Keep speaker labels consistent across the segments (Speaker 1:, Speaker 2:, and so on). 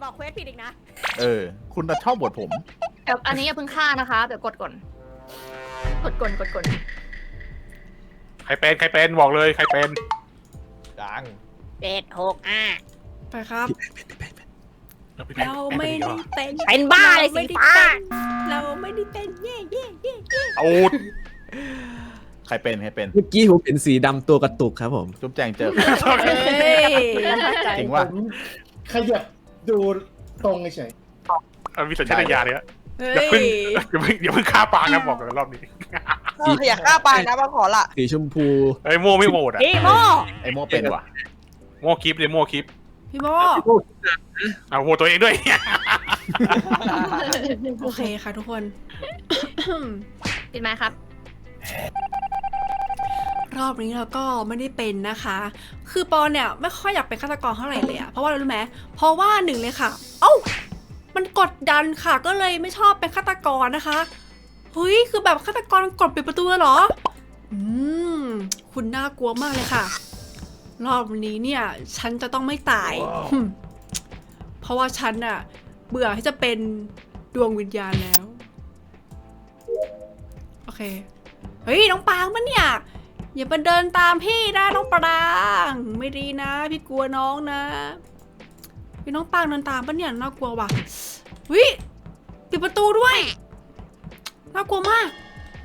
Speaker 1: บอกเควสผิดอีกนะ
Speaker 2: คุณชอบบทผม
Speaker 3: เดี๋ยวอันนี้อย่าเพิ่งฆ่านะคะเดี๋ยวกดก่อนกดก่อน
Speaker 4: ใครเป็นบอกเลยใครเป็น
Speaker 5: ดัง
Speaker 1: 765
Speaker 6: ไปครับ เราไม่ได้เป็น
Speaker 1: เป็นบ้าเลยสีฟ้า
Speaker 6: เราไม่ได้เป็นเย่เย่เย่เย่
Speaker 4: เอา
Speaker 2: ใครเป็น
Speaker 7: เมื่อกี้ผมเห็นสีดำตัวกระตุกครับผม
Speaker 2: จุ๊บแจงเจอ
Speaker 6: เฮ้ย
Speaker 2: จริงว่า
Speaker 8: ผมขยับดูตรงเฉย
Speaker 4: มีสัญชาตญาณเลย
Speaker 6: เฮ้
Speaker 4: อย่าเพิ่งฆ่าปางนะบอกกันรอบนี้
Speaker 5: อยากฆ่าปางนะมาขอละ
Speaker 7: สีชมพู
Speaker 4: ไอ้โม่ไม่โหวตอ่ะ
Speaker 1: พี่โม
Speaker 2: ไอโมเป็นว่ะ
Speaker 4: โม่คลิปเลยโม่คลิป
Speaker 6: พี่โม
Speaker 4: เอาโหวตตัวเองด้วย
Speaker 6: โอเคค่ะทุกคน
Speaker 3: ปิดไหมครับ
Speaker 6: รอบนี้เราก็ไม่ได้เป็นนะคะ คือปอนเนี่ยไม่ค่อยอยากเป็นฆาตกรเท่าไหร่เลยอะเพราะว่าอะไรรู้ไหมเพราะว่าหนึ่งเลยค่ะ เอ้า มันกดดันค่ะ ก็เลยไม่ชอบเป็นฆาตกรนะคะ เฮ้ย คือแบบฆาตกรกดปิดประตูเหรอ คุณน่ากลัวมากเลยค่ะ รอบนี้เนี่ย ฉันจะต้องไม่ตายเพราะว่าฉันน่ะเบื่อที่จะเป็นดวงวิญญาณแล้ว โอเค เฮ้ย น้องปางมันเนี่ย อย่ามาเดินตามพี่นะน้องปรางไม่ดีนะ พี่กลัวน้องนะพี่น้องปางเดินตามปะเนี่ยน่ากลัวว่ะวิปิดประตูด้วยน่ากลัวมาก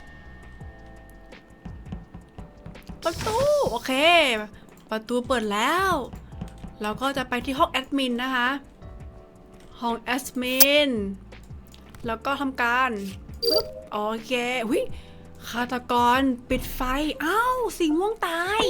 Speaker 6: ประตูโอเคประตูเปิดแล้วเราก็จะไปที่ห้องแอดมินนะคะห้องแอดมินแล้วก็ทำการปึ๊บโอเควิฆาตกรปิดไฟอ้าวสีม่วงตาย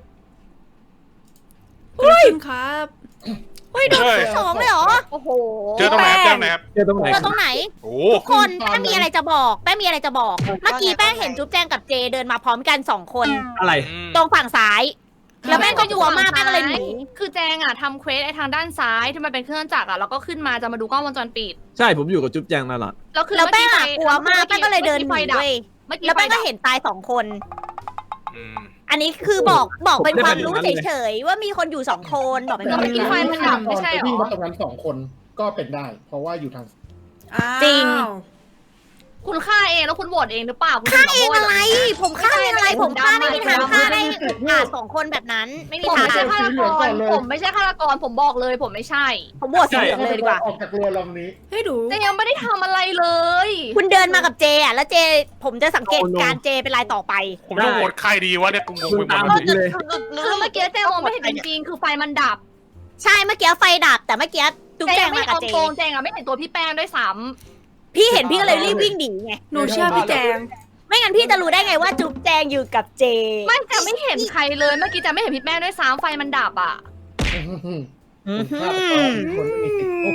Speaker 6: เกิดขึ้นครับ
Speaker 1: เฮ้ยโดนที่สองเลยเหรอ โอ้โห
Speaker 4: เจอตรงไหนครับ
Speaker 7: เจอตรงไหน
Speaker 1: เจอตรงไหน
Speaker 4: โอ้
Speaker 1: ทุกคนแป้งมีอะไรจะบอกแป้งมีอะไรจะบอก เมื่อกี้แป้งเห็นจุ๊บแจงกับเจเดินมาพร้อมกัน2 คน
Speaker 7: อะไร
Speaker 1: ตรงฝั่งซ้าย แล้วแป้งก็กลัวมากแป้งก็เลยหนี
Speaker 3: คือแจงอ่ะทำเควสไอ้ทางด้านซ้ายที่มันเป็นเครื่องจักรอ่ะแล้วก็ขึ้นมาจะมาดูกล้องวงจรปิด
Speaker 7: ใช่ผมอยู่กับจุ๊บแจงตลอด
Speaker 3: แล้วคือ
Speaker 1: แล้วแป้ง
Speaker 3: เมื่
Speaker 1: อะ
Speaker 3: กี้
Speaker 1: กลัวมากแป้งก็เลยเดินหนี
Speaker 3: ไฟดับ
Speaker 1: เว้ย
Speaker 3: เมื่อกี้
Speaker 1: แล้วแป้งก็
Speaker 3: ไฟดับ
Speaker 1: เห็นตาย2 คน
Speaker 4: อืม
Speaker 1: อันนี้คือบอกเป็นความรู้
Speaker 7: ผมไม่ได้เป็นอย่างนั้นเลย
Speaker 1: เฉยๆว่ามีคนอยู่2 คนบอกเป็น
Speaker 8: แต่
Speaker 1: ความ
Speaker 3: เมื่อกี้ไฟ
Speaker 1: รู้
Speaker 3: มันดับไม่ใช่เหรอ
Speaker 8: วิ่งมาตรงนั้น2 คนก็เป็นได้ เพราะว่าอยู่ทาง
Speaker 1: จริง
Speaker 3: คุณฆ่าเองแล้วคุณโหวตเองหรือเปล่าคุณ
Speaker 1: ฆ่า
Speaker 3: ถึ
Speaker 1: เอง
Speaker 3: มาโหวต
Speaker 1: อะไร ผมฆ่าเองอะไร ผมฆ่าไม่มีทางฆ่าได้2 คนแบบนั้น ไม่มี
Speaker 3: ผม
Speaker 1: ทาง
Speaker 3: ไม่ใช่ฆาตกรผมไม่ใช่ฆาตกรผมบอกเลยผมไม่ใช่
Speaker 1: ผมโหวตสีเหลืองเลยดีกว่า
Speaker 8: ออกจากเรือลำนี้
Speaker 6: ให้ดู
Speaker 3: แต่ยังไม่ได้ทำอะไรเลย
Speaker 1: คุณเดินมากับเจอ่ะแล้วเจผมจะสังเกตการเจเป็นรายต่อไป
Speaker 4: ผมต้องโหวตใครดีวะเนี่ยกูงงไปหมด
Speaker 7: ตาม
Speaker 4: เลย
Speaker 7: ผมเลย
Speaker 3: คือเมื่อกี้แจงมองไม่เห็นจริงๆคือไฟมันดับ
Speaker 1: ใช่เมื่อกี้ไฟดับแต่เมื่อกี้จุ๊บแจงมากับเจ
Speaker 3: โกงแจงอะไม่เห็นตัวพี่แป้งด้วยซ้
Speaker 1: พี่เห็นพี่ก็เลยรีบวิ่งหนีไง
Speaker 6: หนูเชื่อพี่แจง
Speaker 1: ไม่งั้นพี่จะรู้ได้ไงว่าจุ๊บแจงอยู่กับเจ
Speaker 3: ำไม่แต่ไม่เห็นใครเลยเมื่อกี้จะไม่เห็นพี่แป้งด้วยซ้ำไฟมันดับอ่ะ
Speaker 8: คุณฆ่าไปก่อนคนไม่มีสิทธิ์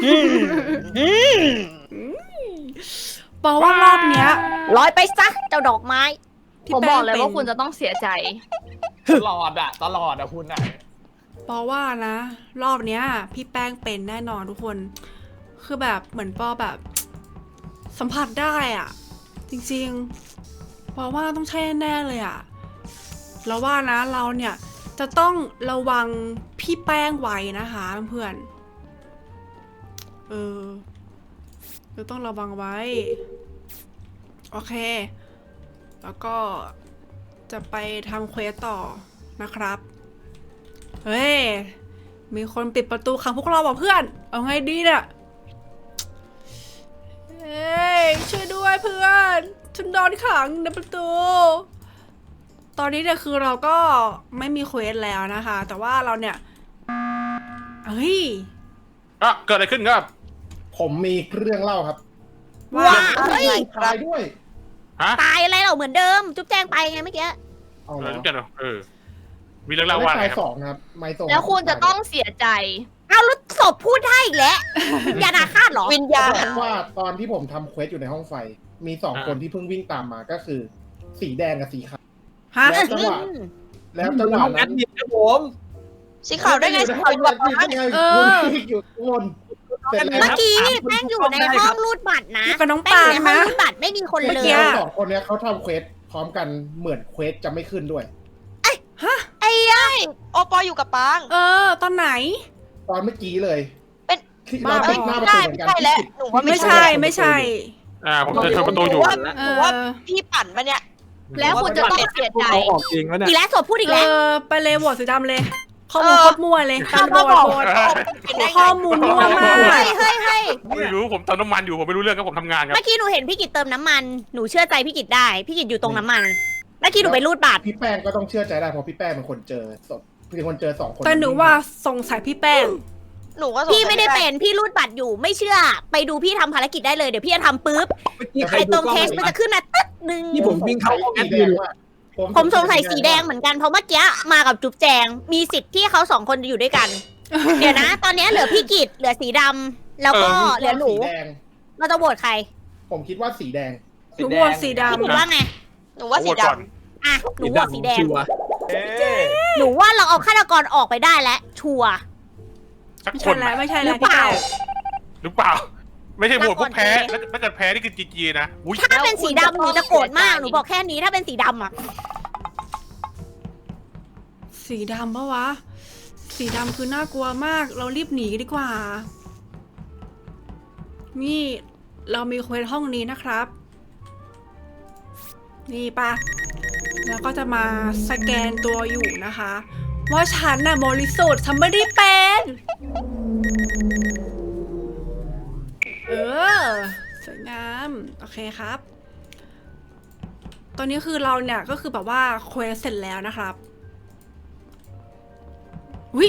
Speaker 6: บอกว่ารอบเนี้ย
Speaker 1: ลอยไปซะเจ้าดอกไม้
Speaker 6: ที่
Speaker 3: ผม
Speaker 6: แป้ง
Speaker 3: บอกเลย
Speaker 6: เป็น
Speaker 3: ว่าคุณจะต้องเสียใจ
Speaker 5: ตลอดคุณอ่ะ
Speaker 6: ปอว่านะ รอบเนี้ย พี่แป้งเป็นแน่นอนทุกคน คือแบบเหมือนปอแบบ สัมผัสได้อะจริงๆปอว่าต้องใช่แน่ๆเลยอะแล้วว่านะเราเนี่ยจะต้องระวังพี่แป้งไว้นะคะเพื่อนเราต้องระวังไว้ โอเค แล้วก็จะไปทำเควสต่อนะครับ เฮ้ย มีคนปิดประตูขังพวกเราว่ะเพื่อน เอาไงดีเนี่ย เฮ้ย ช่วยด้วยเพื่อน ฉันโดนขังในประตู ตอนนี้เนี่ยคือเราก็ไม่มีเควสแล้วนะคะ แต่ว่าเราเนี่ย เฮ้ย
Speaker 4: อ่ะเกิดอะไรขึ้นครับ
Speaker 8: ผมมีเรื่องเล่าครับ
Speaker 1: ว้าเฮ้ย
Speaker 8: ตายด้วย
Speaker 4: ฮะ
Speaker 1: ตายอะไรเราเหมือนเดิม จุ๊บแจงไปไงเมื่อกี้
Speaker 8: เอา
Speaker 4: เอ
Speaker 8: แล้
Speaker 4: อ
Speaker 8: ว
Speaker 4: ทุกอย่างมีเรื่องเล่าว่าอะไร
Speaker 8: ไม่
Speaker 4: ครับ
Speaker 8: สองนะครับไม่ส่ง
Speaker 3: แล้วคุณจะต้องเสียใจ
Speaker 1: เอาแล้วศพพูดได้อีกแล้ววิญญาณอาฆาตเหรอ
Speaker 5: วิญญาณ
Speaker 8: บอกว่าตอนที่ผมทำเควสอยู่ในห้องไฟ มี2 คนที่เพิ่งวิ่งตามมาก็คือ สีแดงกับสีขาว
Speaker 6: ฮะ
Speaker 8: แล้วจังหวะ
Speaker 7: ห้องแอ
Speaker 8: นั้น
Speaker 7: ดมินครับผม
Speaker 5: สีขาวได้ไงสีขาวอยู่กับปาง
Speaker 8: อยู่ข้างบนเสร็จแล้ว
Speaker 1: เมื่อกี้แป้งอยู่ในห้องรูดบัตรนะ
Speaker 6: อยู่กับน้อง
Speaker 1: แป้ง
Speaker 6: ปา
Speaker 1: อง ยู่ในห้อง
Speaker 6: นะ
Speaker 1: รูดบัตรไม่มีคน
Speaker 8: เมื่อ
Speaker 1: เล
Speaker 8: กี้
Speaker 1: ย
Speaker 8: 2 คนเนี้ยเขาทำเควสพร้อมกันเหมือนเควสจะไม่ขึ้นด้วย
Speaker 5: โอปออยู่กับปาง
Speaker 6: ตอนไหน
Speaker 8: ตอนเมื่อกี้เลยเรา
Speaker 6: บ้า
Speaker 8: ติดหน้าประตู
Speaker 5: ใช่
Speaker 8: เหมือนกัน
Speaker 5: ใช่แล้วหนูว่า
Speaker 6: ไม่ใช่ไม่ใช่
Speaker 4: ผมจะชนประตูอยู่
Speaker 6: เอ
Speaker 5: หนู
Speaker 6: อ
Speaker 5: ว่าพี่ปั่นปะเนี่ย
Speaker 3: แล้วคุณจะต้องเสียใจ
Speaker 7: เอาออกจริงวะเนี่ย
Speaker 1: อีกแล้วศพพูดอีก
Speaker 6: เอ
Speaker 1: แล้ว
Speaker 6: อไปเลยโหวตสีดำเลยข้อมูลโคตรมั่วเลย
Speaker 5: ถ้า
Speaker 6: โหว
Speaker 5: พ่อ
Speaker 6: ต
Speaker 5: บอก
Speaker 6: โหวต
Speaker 5: เป็นได้ไง
Speaker 6: ข้อมูลมั่วมาก
Speaker 1: เฮ้ยเฮ้ยเฮ้ย
Speaker 4: ไม่รู้ผมเติมน้ำมันอยู่ผมไม่รู้เรื่องครับผมทำงานครับ
Speaker 1: เมื่อกี้หนูเห็นพี่กิตเติมน้ำมันหนูเชื่อใจพี่กิตได้พี่กิตอยู่ตรงน้ำมันเมื่อกี้หนูไปรูดบัตร
Speaker 8: พี่แป้งก็ต้องเชื่อใจได้เพราะพี่แป้งเป็นคนเจอศพเป็นคนเจอ2 คน
Speaker 6: แต่หนูว่าสงสัยพี่แป้ง
Speaker 5: หนูก็สงสัย
Speaker 1: พี่ไม่ได้เป็นพี่รูดบัตรอยู่ไม่เชื่อ ไปดูพี่ทำภารกิจได้เลยเดี๋ยวพี่จะทำปุ๊บ
Speaker 7: เมื่อกี้ใคร
Speaker 1: ไอ้
Speaker 7: ดู
Speaker 1: ตรง
Speaker 7: กล้อง
Speaker 1: เทสมันจะขึ้นมาตึ๊ดนึง
Speaker 7: ที่ผมวิ่งเข้าห้องแอดมิน
Speaker 1: ผมสงสัยสีแดงเหมือนกันเพราะเมื่อกี้มากับจุ๊บแจงมีสิทธิ์ที่เขา2 คนจะอยู่ด้วยกัน เดี๋ยวนะ ตอนนี้เหลือพี่กิตเหลือสีดำแล้วก็เหลือหนู
Speaker 8: สีแดง
Speaker 1: เราจะโหวตใคร ผม
Speaker 8: คิดว่าสีแดง
Speaker 6: หนูโหวตสีด
Speaker 1: พี่กิตว่าไง
Speaker 5: หนูว่าสี
Speaker 4: โหวตก่อน
Speaker 5: ดำ
Speaker 1: อ่ะหนูโหวตสีแดง
Speaker 7: ชัวร์
Speaker 1: หนูว่าเราเอาฆาตกรออกไปได้แล้วชัวร์
Speaker 4: สัก
Speaker 6: ำ
Speaker 4: คน
Speaker 6: ไม่ใช่
Speaker 1: ห
Speaker 6: แล้
Speaker 1: รื
Speaker 6: ว
Speaker 1: อเปล่า
Speaker 4: หรือเปล่า ไม่ใช่โหวตพวกแพ้
Speaker 1: แล้วก่อน
Speaker 4: แล้วถ้าเกิดแพ้นี่คือจีนะอุ้ย
Speaker 1: ถ้าเป็นสีดำหนูจะโกรธมากหนูบอกแค่นี้ถ้าเป็นสีดำอ่ะ
Speaker 6: สีดำปะวะ สีดำคือน่ากลัวมาก เรารีบหนีกันดีกว่า นี่เรามีเควสห้องนี้นะครับ นี่ปะแล้วก็จะมาสแกนตัวอยู่นะคะ ว่าฉันน่ะบริสุทธิ์ฉันไม่ได้เป็น เออสวยงาม โอเคครับ ตอนนี้คือเราเนี่ยก็คือแบบว่าเควสเสร็จแล้วนะครับวิ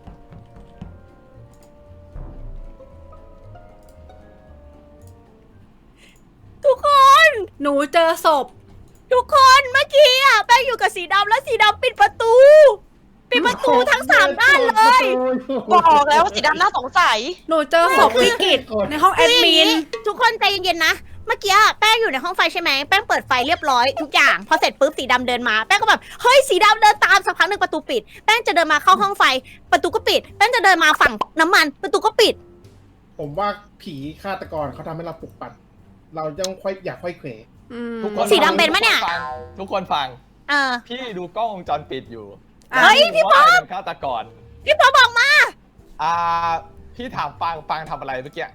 Speaker 1: ทุกคน
Speaker 6: หนูเจอศพ
Speaker 1: ทุกคนเมื่อกี้อ่ะแป้งอยู่กับสีดำแล้วสีดำปิดประตู ปิดประตูทั้ง3 ด้านเลย
Speaker 5: บอกแล้วว่าสีดำน่าสงสัย
Speaker 6: หนูเจอศพพี่กิตในห้องแอดมิน
Speaker 1: ทุกคนใจเย็นๆนะ เมื่อกี้แป้งอยู่ในห้องไฟใช่ไหมแป้งเปิดไฟเรียบร้อยทุกอย่างพอเสร็จปุ๊บสีดำเดินมาแป้งก็แบบเฮ้ยสีดำเดินตามสักพักหนึ่งประตูปิดแป้งจะเดินมาเข้าห้องไฟประตูก็ปิดแป้งจะเดินมาฝั่งน้ำมันประตูก็ปิด
Speaker 8: ผมว่าผีฆาตกรเขาทำให้เราปลุกปั่นเราต้องอยากค่อยเขว
Speaker 6: อืม
Speaker 5: ทุกคน
Speaker 1: สีดำเป็นปะเนี่ย
Speaker 5: ทุกคนฟัง
Speaker 1: เออ
Speaker 5: พี่ดูกล้องวงจรปิดอยู่
Speaker 1: เฮ้ยพี่ป๊อป
Speaker 5: เป็นฆาตกร
Speaker 1: พี่ป๊อปบอกมา
Speaker 5: พี่ถามปังทำอะไรเมื่อกี้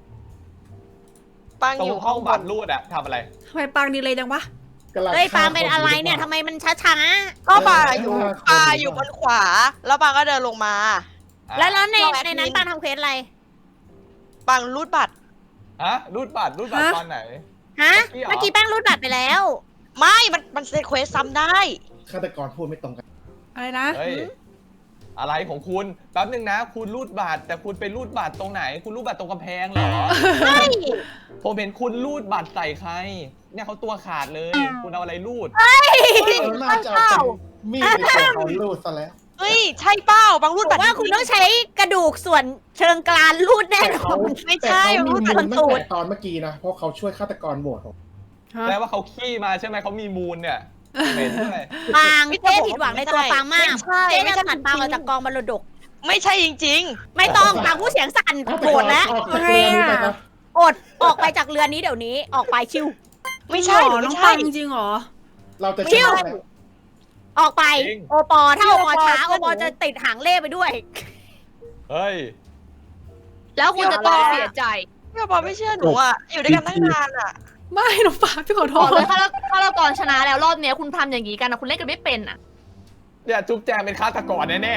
Speaker 9: ปังอยู่
Speaker 5: ห้องบัตรรูดอะทำอะไร
Speaker 6: ทำไมปังดีเลยจังวะ
Speaker 1: เฮ้ยปาล์มเป็นอะไรเนี่ยทำไมมันช้า
Speaker 9: ก็ปาอยู่บนขวา แล้วปังก็เดินลงมา
Speaker 1: ๆแล้วในนั้นปาล์มทำเควสอะไร
Speaker 9: ปังรูดบัตร
Speaker 5: ฮะรูดบัตรตอนไหน
Speaker 1: ฮะ
Speaker 5: เมื่
Speaker 1: เมื่
Speaker 5: อ
Speaker 1: อ
Speaker 5: กี้
Speaker 1: กี้
Speaker 5: เหรอ
Speaker 1: แป้งรูดบัตรไปแล้ว
Speaker 9: ไม่มันเซตเควสซ้ำได้
Speaker 8: ฆาตกรพูดไม่ตรงกัน
Speaker 6: อะไรนะ
Speaker 5: เฮ้ยอะไรของคุณแป๊บนึงนะ คุณรูดบัตรแต่คุณไปรูดบัตรตรงไหน คุณรูดบัตรตรงกำแพงเหรอ
Speaker 9: ใช่
Speaker 5: ผมเห็นคุณรูดบัตรใส่ใคร เนี่ยเขาตัวขาดเลย คุณเอาอะไรรูด
Speaker 8: น่าจะเอาเป็นมีดไปตัวเขาลูดซะแล้ว
Speaker 9: เฮ้ยใช่เป้าปังรูด
Speaker 1: บ
Speaker 9: บั
Speaker 1: อ
Speaker 9: ต
Speaker 1: ก
Speaker 9: ร
Speaker 1: ว่าคุณต้องใช้กระดูกส่วนเชิงกรานรูดแน่นอน
Speaker 9: ไม่ใช่
Speaker 8: แต่เขา
Speaker 9: รู
Speaker 8: มี
Speaker 9: ดบัตร
Speaker 8: มูลตั้งแต่ตอนเมื่อกี้นะ เพราะเขาช่วยฆาตกรโหวตผม
Speaker 5: แปลว่าเขาขี้มาใช่ไหมเขามีมูลเนี่ยเป็นด้วย
Speaker 1: ปางเจ๊ผิดหวังในตัวปางมาก
Speaker 9: ใช่
Speaker 1: เจ๊
Speaker 9: ไม่
Speaker 1: จะ
Speaker 9: ใช่
Speaker 1: ตัดปางออกจากกองบรรดก
Speaker 9: ไม่ใช่จริง
Speaker 1: ไม่ต้องปางผู้เสียงสั่นโกรธแล้ว
Speaker 8: ออกจากเรือนี้ไปครับ
Speaker 1: อดออกไปจากเรือนนี้เดี๋ยวนี้ออกไปชิว
Speaker 9: ๆ ไม่ใช่
Speaker 6: หรอ
Speaker 9: ไม่
Speaker 6: น้อง
Speaker 9: ใช่
Speaker 6: ปังจริงเหรอ
Speaker 8: เราจะ
Speaker 1: ชิ
Speaker 8: เชื่
Speaker 1: ว
Speaker 8: ออะไร
Speaker 1: ออกไป
Speaker 5: จริง
Speaker 1: โอปอถ้าโอปอช้าโอปอจะติดหางเล่ไปด้วย
Speaker 5: เฮ้ย
Speaker 3: แล้วคุณจะต้องเสียใจ
Speaker 9: พี่ปอไม่เชื่อหนูอ่ะ อยู่ด้วยกันตั้งนานอ่ะ
Speaker 6: ไม่น้องปังพี่ขอโท
Speaker 3: บอก
Speaker 6: ษ
Speaker 3: เลยถ้าเราตอนชนะแล้วรอบเนี้ยคุณทำอย่างนี้กันนะคุณเล่นกันไม่เป็นอ่ะ
Speaker 5: เนี่ยจุ๊บแจงเป็นฆาตกรแน่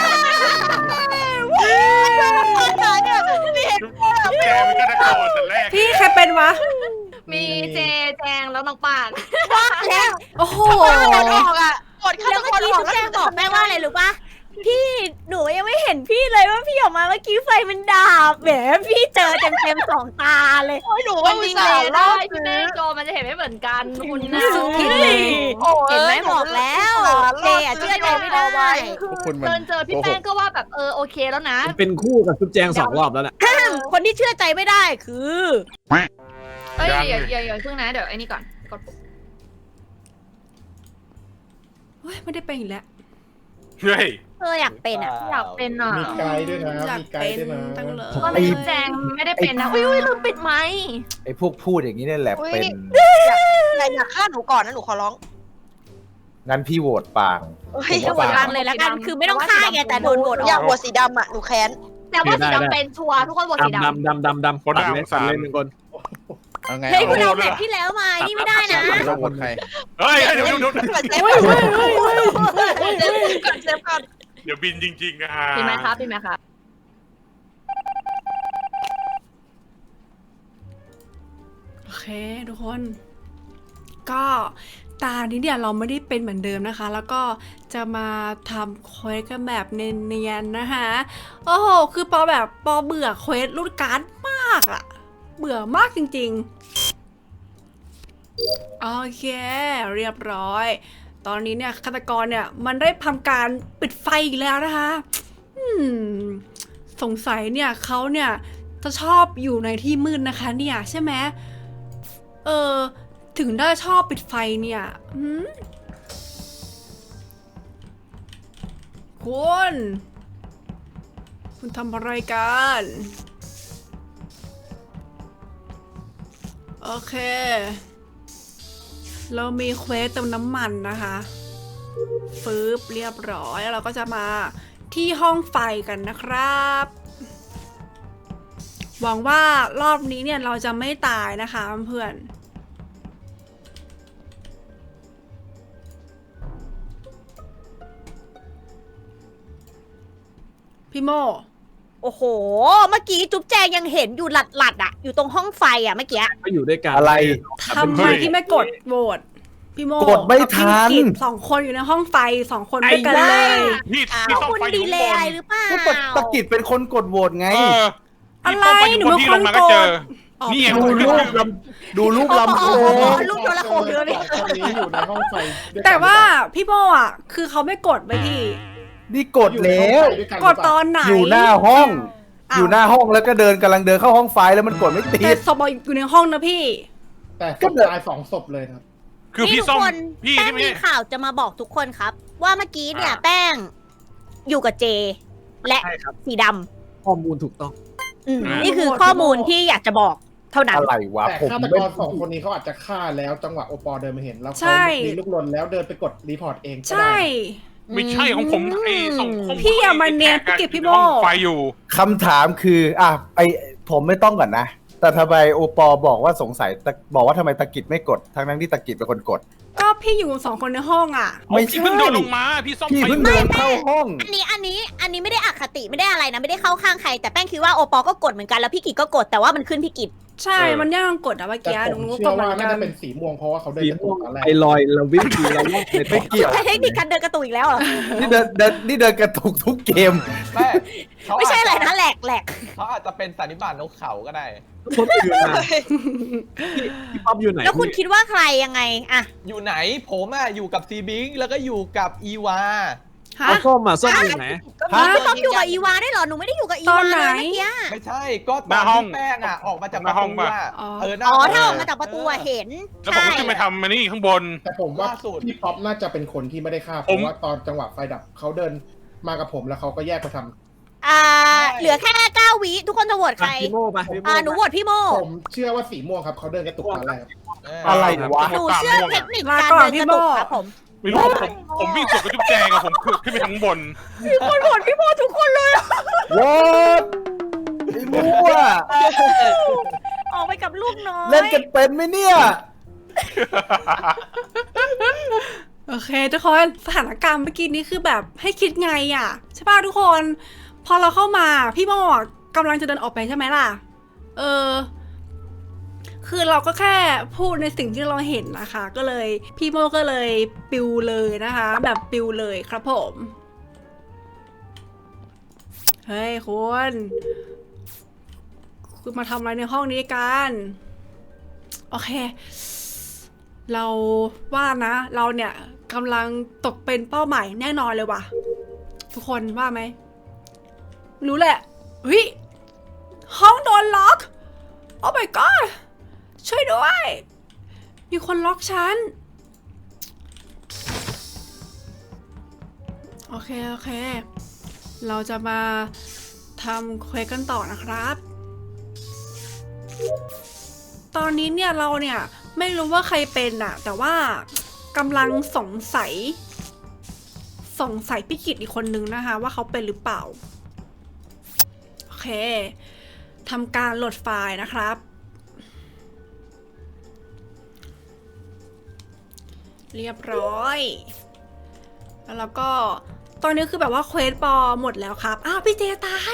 Speaker 4: แกเป็นฆาตกรแต่แรก
Speaker 6: พี่ใครเป็นวะ
Speaker 3: มีเจแจงแล้วน้องปาง
Speaker 1: ว่าแล้ว
Speaker 6: โอ้โห
Speaker 9: กดออกอ่ะกดฆา
Speaker 1: แล้
Speaker 9: ต
Speaker 1: วเมื่
Speaker 9: ก
Speaker 1: อ
Speaker 9: ร
Speaker 1: กี้
Speaker 9: ออก
Speaker 1: ทุก
Speaker 9: แล้ว
Speaker 1: แจงบอกแม่ว่าอะไรรู้ปะพี่หนูยังไม่เห็นพี่เลยว่าพี่ออกมาเมื่อกี้ไฟมันดับแหมพี่เจอเต็มๆ2 ตาเลย
Speaker 9: โอ้ยหนู
Speaker 3: มั
Speaker 9: ว่าน อุ
Speaker 3: ดี
Speaker 9: ต
Speaker 3: เล
Speaker 9: ส่าห์
Speaker 3: ย
Speaker 9: ร
Speaker 3: ได้
Speaker 9: อด
Speaker 3: พี่
Speaker 9: ซื้
Speaker 3: แม่
Speaker 9: อ
Speaker 3: โจมันจะเห็นไม่เหมือนกันคุณนะ
Speaker 6: สุดที่
Speaker 9: โอ้
Speaker 1: เห็นไหม
Speaker 9: ย
Speaker 1: บอกแล้วเจอะเชื่อใจไม่ได้
Speaker 2: พวกคุณมัน
Speaker 3: เจอพี่แป้งก็ว่าแบบโอเคแล้วนะ
Speaker 7: ผมเป็นคู่กับจุ๊บแจง2 รอบแล้วน่ะ
Speaker 1: คนที่เชื่อใจไม่ได้คือ
Speaker 3: เอ้ยอย่าเพิ่งนะเดี๋ยวไอ้นี่ก่อนกดปุ่ม
Speaker 6: เฮ้ยไม่ได้เป็นอีกแล้ว
Speaker 4: เฮ้ย
Speaker 1: อยากเป็นอ่ะ
Speaker 3: อยากเป็นอ่ะ
Speaker 8: มีไกด์ด้วยนะ
Speaker 6: อยาก
Speaker 8: มีไก
Speaker 6: เป็
Speaker 8: ด์
Speaker 6: น
Speaker 8: ด้วยนะ
Speaker 6: จังเลย
Speaker 3: ว่าไม่แจงไม่ได้เป็นนะอุ้ยลืมปิดไมค์
Speaker 10: ไอ้พวกพูดอย่างนี้เนี่ยแหละ
Speaker 9: อุ๊ย
Speaker 10: เป็น
Speaker 9: อย่าฆ่าหนูก่อนนะหนูขอร้อง
Speaker 10: งั้นพี่โหวตปาง
Speaker 9: เฮ้ย
Speaker 10: ผมว่า
Speaker 1: ฟังเลยแล้วกันคือไม่ต้องฆ่าแกแต่โดนโหวตอ
Speaker 9: อยา
Speaker 1: อก ก
Speaker 9: หัวสีดำอ่ะหนูแค้น
Speaker 3: แต่ว่าสีดำเป็นชัวร์ทุกคนบอกสีดำ
Speaker 7: ดำ
Speaker 4: คนน่าสงสาร
Speaker 7: เล่นหนึ่งคน
Speaker 2: เอาไง
Speaker 1: เฮ้ย
Speaker 2: เอา
Speaker 1: คุณเอาแบบที่แล้วมานี่ไม่ได้นะ
Speaker 2: เราคนใคร
Speaker 4: เฮ้ยเดี๋ยว
Speaker 9: เซฟก่อนเซฟก่อน
Speaker 4: เดี๋ยวบินจริงๆอ่ะ
Speaker 3: พี่ไหมครับพี่ไหมครับ
Speaker 6: โอเคทุกคน ก็ตานี้เนี่ยเราไม่ได้เป็นเหมือนเดิมนะคะ แล้วก็จะมาทำเควสกันแบบเนียนๆนะคะโอ้โหคือปอเบื่อเควสรูดการ์ดมากอะเบื่อมากจริงๆโอเคเรียบร้อย ตอนนี้เนี่ยฆาตกรเนี่ยมันได้ทำการปิดไฟอีกแล้วนะคะสงสัยเนี่ยเขาเนี่ยจะชอบอยู่ในที่มืดนะคะเนี่ยใช่ไหมถึงได้ชอบปิดไฟเนี่ยคุณทำอะไรกันโอเคเรามีเควสเติมน้ำมันนะคะฟืบเรียบร้อยแล้วเราก็จะมาที่ห้องไฟกันนะครับหวังว่ารอบนี้เนี่ยเราจะไม่ตายนะคะเพื่อนพี่โม
Speaker 1: โอ้โห เมื่อกี้จุ๊บแจงยังเห็นอยู่หลัดๆอ่ะ อยู่ตรงห้องไฟอ่ะเมื่อกี้
Speaker 7: ก็อยู่ด้วยกัน
Speaker 10: อะไร
Speaker 6: ทำไมที่ไม่กดโหวตพี่โม
Speaker 10: กดไม่ทัน
Speaker 6: กับพี่กิจ2 คนอยู่ในห้องไฟ2 คนด้วยกันเลย
Speaker 4: พี่
Speaker 1: ขอบ
Speaker 4: ต้อง
Speaker 1: คุณ
Speaker 4: ไฟอ
Speaker 1: ดี
Speaker 4: ยู่
Speaker 1: เล
Speaker 4: ข้างบ
Speaker 1: ย์อะไร
Speaker 4: น
Speaker 1: หรือเปล่า
Speaker 10: ก็ตะกิดเป็นคนกดโหวตไง
Speaker 6: อะไร
Speaker 4: พี่ต้องไฟอยู่บนที่ลงมาก็เจอ นี่ไง
Speaker 10: ดูรูปลำโพ
Speaker 1: โอ้โห
Speaker 10: ง
Speaker 1: ลูกโดนละโคมเยอะเลย
Speaker 8: สองคนนี้อยู่ในห้องไฟด้วยกัน
Speaker 6: แต่ว่าพี่โมอ่ะคือเขาไม่กดไปพี่
Speaker 10: นี่กดแล้ว
Speaker 6: กดตอนไหน
Speaker 10: อยู่หน้าห้อง
Speaker 6: อ้าว
Speaker 10: อยู่หน้าห้องแล้วก็กำลังเดินเข้าห้องไฟแล้วมันกดไม่ติ
Speaker 6: แต่
Speaker 10: ด
Speaker 6: ศพอยู่ในห้องนะพี่
Speaker 8: แต่ศพตาย2 ศพเลยครับ
Speaker 4: คือ
Speaker 1: นี่
Speaker 4: พี่
Speaker 1: ทุก
Speaker 4: ส้ม
Speaker 1: คน
Speaker 4: พี่
Speaker 1: แป้ง
Speaker 4: ที่ไม่
Speaker 1: มี
Speaker 4: ใช่
Speaker 1: ข่าวจะมาบอกทุกคนครับ ว่าเมื่อกี้เนี่ยแป้งอยู่กับเจ และ
Speaker 7: ใช่ครับ
Speaker 1: สีด
Speaker 7: ข้อมูลถูกต้อง
Speaker 1: ำนี่คือข้อมูลที่อยากจะบอกเท่านั้น
Speaker 10: อะไรวะ
Speaker 8: แต่
Speaker 10: ผม
Speaker 8: ฆาต
Speaker 10: ไม่
Speaker 8: กร2 คนนี้เขาอาจจะฆ่าแล้วจังหวะโอปอเดินมาเห็นแล้ว
Speaker 6: ใช่
Speaker 8: เขามีลูกลนแล้วเดินไปกดรีพอร์ตเองก็
Speaker 6: ใช่
Speaker 8: ได้
Speaker 4: ไม่ใช่ของผมไอ้ส่งข้อมูล
Speaker 6: พี่อย่ามาเนียนพี่เก็บพี่โม่
Speaker 4: ห้องไฟอยู่
Speaker 10: คำถามคือผมไม่ต้องก่อนนะ แต่ทำไมโอปอบอกว่าสงสัยบอกว่าทำไมตะกิดไม่กดทั้งที่ตะกิดเป็นคนกด
Speaker 6: ก็พี่อยู่2 คนในห้องอ่ะ
Speaker 10: ไม่
Speaker 4: พี่
Speaker 10: ใช่
Speaker 4: เพิ่งเดินลงมาพี่ส้ม
Speaker 10: พี่
Speaker 4: ไฟ
Speaker 10: เพิ่งเดินเข้าห้อง
Speaker 1: อันนี้ไม่ได้อคติไม่ได้อะไรนะไม่ได้เข้าข้างใคร แต่แป้งคิดว่าโอปอก็กดเหมือนกันแล้วพี่กิจก็กดแต่ว่ามันขึ้นพี่กิจ
Speaker 6: ใช่มันย่างกดอะเมื่อ
Speaker 8: แต่
Speaker 6: กี้
Speaker 8: ผม
Speaker 6: หนูก็
Speaker 8: เชื่
Speaker 6: ก
Speaker 8: อ
Speaker 6: ดเหมื
Speaker 8: ว่า
Speaker 6: อน
Speaker 8: น่า
Speaker 6: กั
Speaker 8: จะ
Speaker 6: น
Speaker 8: เป็นสีม่วงเพราะว่าเขาเดิน
Speaker 7: สี
Speaker 8: กระตุ
Speaker 7: ม่ว
Speaker 8: ก
Speaker 7: ง
Speaker 8: ตอนแรก
Speaker 7: ไอลอยเราวิ่งดีเราวิ่งใน
Speaker 10: ไม่เกี่ยว
Speaker 1: ใช้เทคนิคการเดินกระตุกอีกแล้วเหรอ
Speaker 10: นี่เดินกระตุกทุกเกม
Speaker 1: ไม่ใช่อะไรนะแหลก
Speaker 5: เขาอาจจะเป็นสันนิบาตนกเขาก็ได้
Speaker 7: คนอื่นมาพี่ป๊อปอยู่ไหน
Speaker 1: แล้วคุณคิดว่าใครยังไงอะ
Speaker 5: อยู่ไหนผมอยู่กับซีบิงแล้วก็อยู่กับอีวา
Speaker 6: ฮะ
Speaker 7: เอาส้มมาส้มอยู่ไหน
Speaker 1: พี่ป๊อปอยู่กับอีวาได้เหรอหนูไม่ได้อยู่กับอี
Speaker 6: ตอ
Speaker 1: วาน
Speaker 6: ไหน
Speaker 1: เลยเมื่อกี้
Speaker 5: ไม่ใช่ก็ตอนที่แป้งออกมาจากประตูหน้า
Speaker 1: อ๋อถ้าออกมาจากประตูอะเห็น
Speaker 4: แล้วผมก็ขึ้นไปทำมันนี่ข้างบน
Speaker 8: แต่ผมว่า
Speaker 5: ล่าสุด
Speaker 8: พี่ป๊อปน่าจะเป็นคนที่ไม่ได้ฆ่าเพ
Speaker 4: ผม
Speaker 8: ราะว่าตอนจังหวะไฟดับเขาเดินมากับผมแล้วเขาก็แยกไปทำ
Speaker 1: เหลือแค่9 วิทุกคนจะโหวตใคร
Speaker 7: พี่โม่ไปพี่โม่
Speaker 1: หนูโหวตพี่โม
Speaker 8: ผมเชื่อว่าสีม่วงครับเขาเดินกระตุกตอนแรก
Speaker 10: อะไรวะ
Speaker 1: หนูเชื่อเทคนิคการเดินกระตุกครับผม
Speaker 4: ไม่รู้ผมวิ่งสวนกับจุ๊บแจงอะผมขึ้นไปทางบน
Speaker 1: มีคนโหวตพี่โมทุกคนเลย
Speaker 10: วอดไอ้มั่ว
Speaker 1: ออกไปกับลูกน้อย
Speaker 10: เล่นกันเป็นไหมเนี่ย
Speaker 6: โอเคทุกคนสถานการณ์เมื่อกี้นี้คือแบบให้คิดไงอ่ะใช่ป่ะทุกคนพอเราเข้ามาพี่โมกำลังจะเดินออกไปใช่ไหมล่ะคือเราก็แค่พูดในสิ่งที่เราเห็นนะคะก็เลยพี่โมก็เลยปิวเลยนะคะ แบบปิวเลยครับผมเฮ้ยคุณมาทำอะไรในห้องนี้กันโอเคเราว่านะเราเนี่ยกำลังตกเป็นเป้าหมายแน่นอนเลยว่ะทุกคนว่าไหมรู้แหละเฮ้ยห้องโดนล็อกโอ้ my god ช่วยด้วยมีคนล็อกฉันโอเคเราจะมาทำเควสกันต่อนะครับตอนนี้เนี่ยเราเนี่ยไม่รู้ว่าใครเป็นอะแต่ว่ากำลังสงสัยพี่กิตอีกคนนึงนะคะว่าเขาเป็นหรือเปล่าทำการโหลดไฟล์นะครับ เรียบร้อย แล้วก็ตอนนี้คือแบบว่าเควสปอหมดแล้วครับ อ้าวพี่เจตาย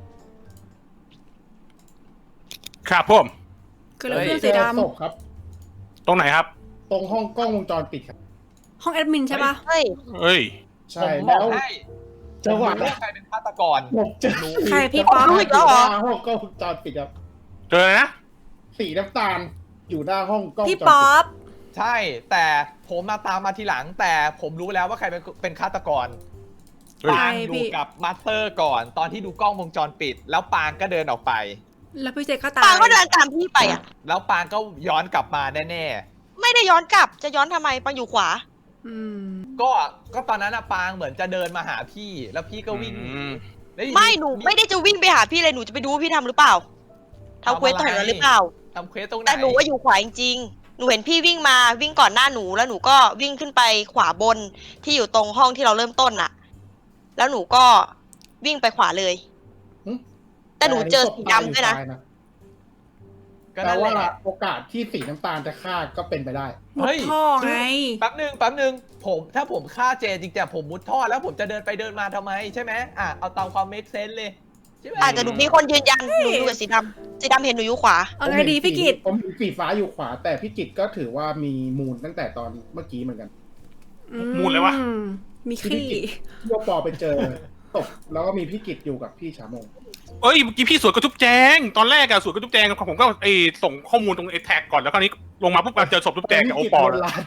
Speaker 4: ครับผม
Speaker 6: คือเรื่อง
Speaker 8: เจ
Speaker 6: สี
Speaker 8: อ
Speaker 6: ด
Speaker 8: ศพครับ
Speaker 4: ตรงไหนครับ
Speaker 8: ตรงห้องกล้องวงจรปิดครับ
Speaker 6: ำห้องแอดมินใช่ปะ
Speaker 9: เฮ้ย
Speaker 4: เอ้ย
Speaker 8: ใช่
Speaker 5: ผมบ
Speaker 8: แล้
Speaker 5: อก
Speaker 8: ว
Speaker 5: ให้
Speaker 8: จังหวะ
Speaker 5: ผมรู้ว่าใครเป็นฆาตกร
Speaker 8: ผมเจอ
Speaker 6: ใครพี่ป๊อป
Speaker 8: สีน้ำตาลอยู่หน้าห้องกล้องวงจรปิดครับ
Speaker 4: เจอเลยนะ
Speaker 8: สีน้ำตาลอยู่หน้าห้องกล้องวงจร
Speaker 6: พี่
Speaker 8: ปิด
Speaker 6: ป๊อป
Speaker 5: ใช่ แต่ผมมาตามมาทีหลัง แต่ผมรู้แล้วว่าใครเป็นฆาตกร
Speaker 4: เฮ้ย
Speaker 5: ปางอยู่กับมาสเตอร์ก่อน ตอนที่ดูกล้องวงจรปิด แล้วปางก็เดินออกไป
Speaker 6: แล้วพี่เจก็ตาย
Speaker 9: ปางก็เดินตามพี่ไปอ่ะ
Speaker 5: แล้วปางก็ย้อนกลับมาแน่
Speaker 9: ไม่ได้ย้อนกลับ จะย้อนทำไมปางอยู่ขวา
Speaker 6: อืม
Speaker 5: ๆ ก็ตอนนั้นอะปางเหมือนจะเดินมาหาพี่ แล้วพี่ก็วิ่งหนี
Speaker 4: อืม
Speaker 5: แล้วอยู่
Speaker 9: ไม่หนูไม่ได้จะวิ่งไปหาพี่เลยหนูจะไปดูว่าพี่ทำหรือเปล่าทำเควสตรงนั้นหรือเปล่า
Speaker 5: ทำเควสตรงไหน
Speaker 9: แต่หนูว่าอยู่ขวาจริงๆหนูเห็นพี่วิ่งมาวิ่งก่อนหน้าหนูแล้วหนูก็วิ่งขึ้นไปขวาบนที่อยู่ตรงห้องที่เราเริ่มต้นน่ะ แล้วหนูก็วิ่งไปขวาเลย แต่หนูเจอสีดำด้วยนะ
Speaker 5: ก็
Speaker 8: แปล
Speaker 5: นั่นแห
Speaker 8: ว่า
Speaker 5: ละ
Speaker 8: โอกาสที่สีน้ำตาลจะฆ่าก็เป็นไปได้
Speaker 6: หมดท่อไง
Speaker 5: แป๊บหนึ่งถ้าผมฆ่าเจจริงๆผมมุดท่อแล้วผมจะเดินไปเดินมาทำไมใช่ไหมเอาตามความเมคเซนส์เลยใช่ไหม
Speaker 9: อาจจะหนูมีคนยืนยันหนูอยู่กับสีดำสีดำเห็นหนูอยู่ขวา
Speaker 6: เอาไงดีพี่กิต
Speaker 8: ผมเห็นสีฟ้าอยู่ขวา แต่พี่กิตก็ถือว่ามีมูลตั้งแต่ตอนเมื่อกี้เหมือนกัน
Speaker 4: มูลเลยวะ
Speaker 6: มีขี้
Speaker 8: ที่ว่าปอไปเจอศพแล้วก็มีพี่กิตอยู่กับพี่ชาโมง
Speaker 4: เอ้ยเมื่อกี้พี่สวนกระทุบแจง ตอนแรกอะสวนกระทุบแจงผมก็ส่งข้อมูลตรงไอ้แท็กก่อนแล้วคราวนี้ลงมาปุ๊บเจอศพทุบแจงกับโอปอล์
Speaker 8: พี่กิตโดนลาน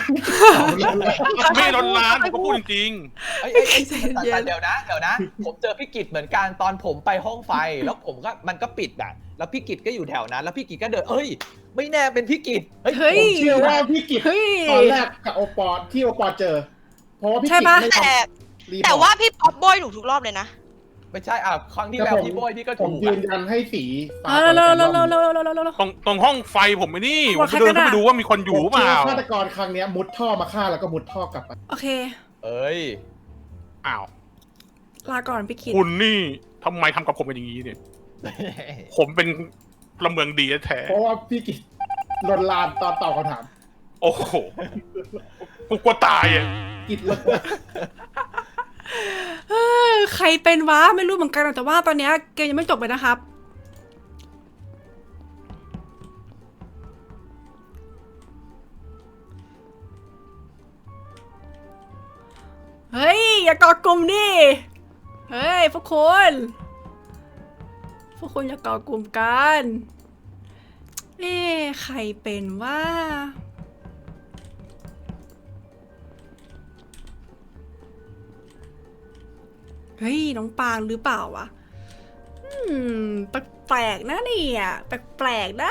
Speaker 4: ไม่โดนล้านผมก็พูดจริง
Speaker 5: เอ้ยเดี๋ยวนะผมเจอพี่กิจเหมือนกันตอนผมไปห้องไฟแล้วผมก็มันก็ปิดอ่ะแล้วพี่กิจก็อยู่แถวนั้น แล้วพี่กิจก็เดินไม่แน่เป็นพี่กิจ
Speaker 6: เฮ้ย
Speaker 8: ผมเชื่อว่าพี่กิต
Speaker 6: เฮ้ย
Speaker 8: ตอนแรกกับโอปอที่โอปอเจอ เพราะว่าพี่
Speaker 6: ใช่
Speaker 8: กิต
Speaker 6: ปะ
Speaker 8: ไม่ทำรีพอร์ต
Speaker 9: แต่ว่าพี่ป๊อปโบยหนูทุกรอบเลยนะ
Speaker 5: ไม่ใช่ครั้งที่แล้วพี่โบยพี่ก็
Speaker 8: ผม
Speaker 5: ถูก
Speaker 8: ยืนยันให้สีฟ้า
Speaker 6: แล้ว
Speaker 8: ก่อน
Speaker 4: ตรงห้องไฟผมไม่นี่ผมเดินเข้าไปดูว่ามีคนอยู่
Speaker 8: ผม
Speaker 4: เป
Speaker 8: เชื่อ
Speaker 4: ล่า
Speaker 8: ฆาตกรครั้งเนี้ยมุดท่อมาฆ่าแล้วก็มุดท่อกลับไป
Speaker 6: โอเค
Speaker 5: เอ้ย
Speaker 4: อ้าว
Speaker 6: ลาก่อนพี่กิต
Speaker 4: คุณนี่ทำไมทำกับผมเป็นอย่างนี้เนี่ย ผมเป็นพลเมืองดีแท้
Speaker 8: เพราะว่าพี่กิตลนลานตอนตอบคำถาม
Speaker 4: โอ้โหกูกลัวตายอ่ะ
Speaker 8: กิตลน
Speaker 6: ใครเป็นวะไม่รู้เหมือนกันแต่ว่าตอนเนี้ยเกมยังไม่จบเลยนะครับ เฮ้ย อย่าก่อกลุ่มดิเฮ้ยพวกคุณอย่าก่อกลุ่มกันใครเป็นว่าเฮ้ยน้องปางหรือเปล่าวะแปลกๆนะเนี่ยแปลกๆนะ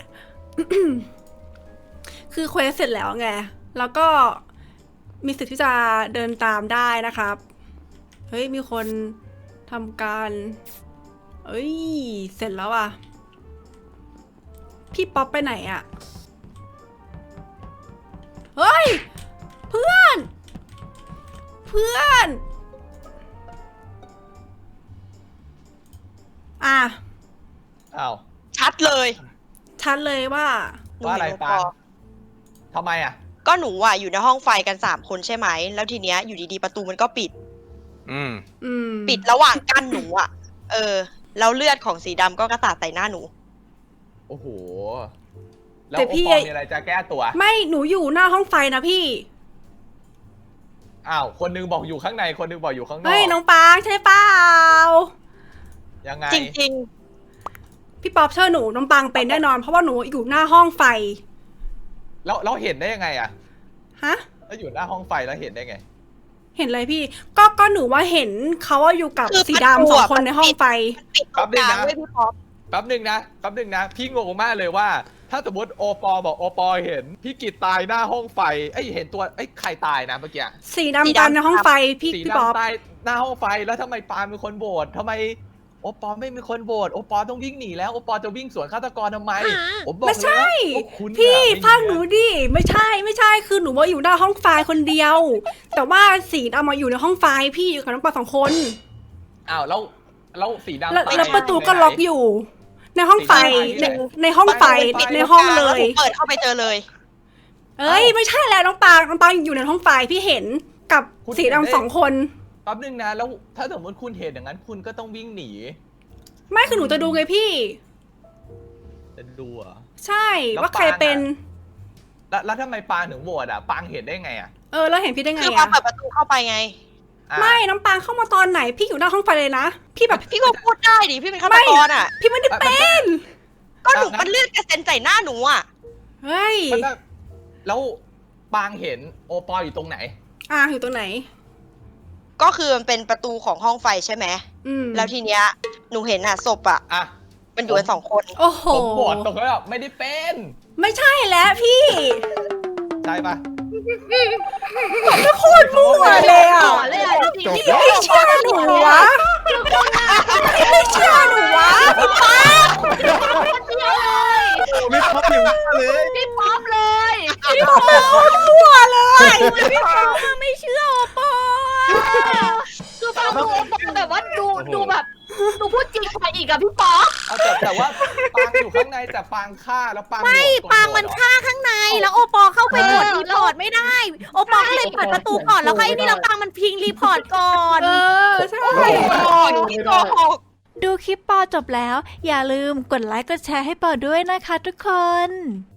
Speaker 6: คือเควสเสร็จแล้วไงแล้วก็มีสิทธิ์ที่จะเดินตามได้นะครับเฮ้ยมีคนทำการเสร็จแล้วอ่ะพี่ป๊อปไปไหนอ่ะเฮ้ยเพื่อนอ่ะ
Speaker 5: อ้าว
Speaker 9: ชัดเลย
Speaker 6: ว่า
Speaker 9: หนู
Speaker 5: ว่าอะไร
Speaker 9: เห็น
Speaker 5: ปางทำไมอ่ะ
Speaker 9: ก็หนูอ่ะอยู่ในห้องไฟกัน3คนใช่ไหมแล้วทีเนี้ยอยู่ดีๆประตูมันก็ปิด
Speaker 4: อืม
Speaker 9: ปิดระหว่างกั้นหนูอ่ะแล้วเลือดของสีดำก็กระสาดใส่หน้าหนู
Speaker 5: โอ้โหแล้ว
Speaker 6: แต่
Speaker 5: โอ
Speaker 6: พี่
Speaker 5: ปอมีอะไรจะแก้ตัว
Speaker 6: ไม่หนูอยู่หน้าห้องไฟนะพี่
Speaker 5: อ้าวคนนึงบอกอยู่ข้างในคนนึงบอกอยู่ข้างนอก
Speaker 6: เฮ้ยน้องปางใช่เปล่า
Speaker 5: ยังไง
Speaker 9: จริง
Speaker 6: พี่ป๊อปเชื่อหนูน้องปางเป็นแน่นอนเพราะว่าหนูอยู่หน้าห้องไฟ
Speaker 5: แล้วเราเห็นได้ยังไงอ่ะ
Speaker 6: ฮะ
Speaker 5: แล้วอยู่หน้าห้องไฟแล้วเห็นได้ไง
Speaker 6: เห็นเลยพี่ก็หนูว่าเห็นเขาว่าอยู่กับ
Speaker 9: คือ
Speaker 6: สีดำ
Speaker 9: ประตู
Speaker 6: สอง
Speaker 9: อะ
Speaker 6: คนในห้องไฟ
Speaker 9: ๆปิดตรงกลางไว้พี่ป๊อป
Speaker 5: แป๊บหนึ่งนะพี่งงมากเลยว่า ถ้าสมมติโอปอบอกโอปอเห็นพี่กิตตายหน้าห้องไฟเห็นตัวใครตายนะเมื่อกี้
Speaker 6: สีดำตามในห้องไฟพี่
Speaker 5: สี
Speaker 6: พี่ป๊อป
Speaker 5: ดำตายหน้าห้องไฟแล้วทำไมปาล์มเป็นคนโหวตทำไมโอปอไม่มีคนโหวตโอปอต้องวิ่งหนีแล้วโอปอจะวิ่งสวนฆาตกรทำไมผมบอก
Speaker 6: ไม่ใช่
Speaker 5: เลยว่าพวกคุณ
Speaker 6: พี่
Speaker 5: น่ะ
Speaker 6: ฟังหนูดิไม่ใช่คือหนูว่าอยู่หน้าห้องไฟคนเดียว แต่ว่าสีดำมาอยู่ในห้องไฟพี่อยู่กับน้องปาง2 คน
Speaker 5: อ้าวแล้วแล้วสีดำ
Speaker 6: แล้วประตูก็ล็อกอยู่ ในห้องไฟในห้องไฟในห้องเลย
Speaker 9: เปิดเข้าไปเจอเลย
Speaker 6: เอ้ยไม่ใช่แล้วน้องปางอยู่ในห้องไฟพี่เห็นกับสีดำ2 คน
Speaker 5: แป๊บนึงนะแล้วถ้าสมมติคุณเห็นอย่างนั้นคุณก็ต้องวิ่งหนี
Speaker 6: ไม่คือหนูจะดูไงพี่
Speaker 5: จะดูเหรอ
Speaker 6: ใช่ว่าใครเป็น
Speaker 5: แล้วทำไมปางถึงโหวตอ่ะปางเห็นได้ไงอ่ะ
Speaker 6: แล้วเห็นพี่ได้ไง
Speaker 9: คือปา
Speaker 6: อะ
Speaker 9: เปิดประตูเข้าไปไง
Speaker 6: ไม่น้องปางเข้ามาตอนไหนพี่อยู่หน้าห้องไฟเลยนะพี่แบบ
Speaker 9: พี่ก็พูดได้ดิพี่เป็นฆาตกรอ่ะ
Speaker 6: พี่ไม่ได้เป็น
Speaker 9: ก็หนูมันเลือดกระเซ็นใส่หน้าหนูอ่ะ
Speaker 6: เฮ้ย
Speaker 5: แล้วปางเห็นโอปออยู่ตรงไหน
Speaker 6: อยู่ตรงไหน
Speaker 9: ก็คือมันเป็นประตูของห้องไฟใช่ไหม แล้วทีเนี้ยหนูเห็นอ่ะศพอ่ะ มันอยู่กัน2 คน
Speaker 6: โอ้โห
Speaker 5: ผมโหวตตรงนั้นแบบไม่ได้เป็น
Speaker 6: ไม่ใช่แล้วพี่
Speaker 5: ใช่ปะ
Speaker 6: ไม่โคตรมั่วเลยอ่ะ
Speaker 3: เลยอ่ะจริงๆ
Speaker 6: พี่ไม่เชื่อหนูวะพี่ไม่เชื่อหนูวะพี่ป๊า
Speaker 7: ไม่พบอยู่เลย
Speaker 3: พี่ป๊อปเลย
Speaker 6: พี่ป๊ามั่วเลย
Speaker 1: พี่ปอไม่เชื่อโอปอ
Speaker 3: คือฟังดูแบบว่าดูแบบดูพูดจริงไปอีกอะพี่ป๊อป
Speaker 5: แต่ว่าปางอยู่ข้างในแต่ปางฆ่าแล้วปาง
Speaker 1: ไม่
Speaker 5: โหวต
Speaker 1: ปางมันฆ่าข้างในแล้วโอปอเข้าไปกดรีพอร์ตไม่ได้ โอปอก็เลยเปิดประตูก่อนแล้วก็ไอ้นี่แล้วปางมันพิงรีพอร์ตก่อน
Speaker 6: ใช่
Speaker 9: พี่โกหก
Speaker 11: ดูคลิปปอจบแล้ว อย่าลืมกดไลค์กดแชร์ให้ปอด้วยนะคะทุกคน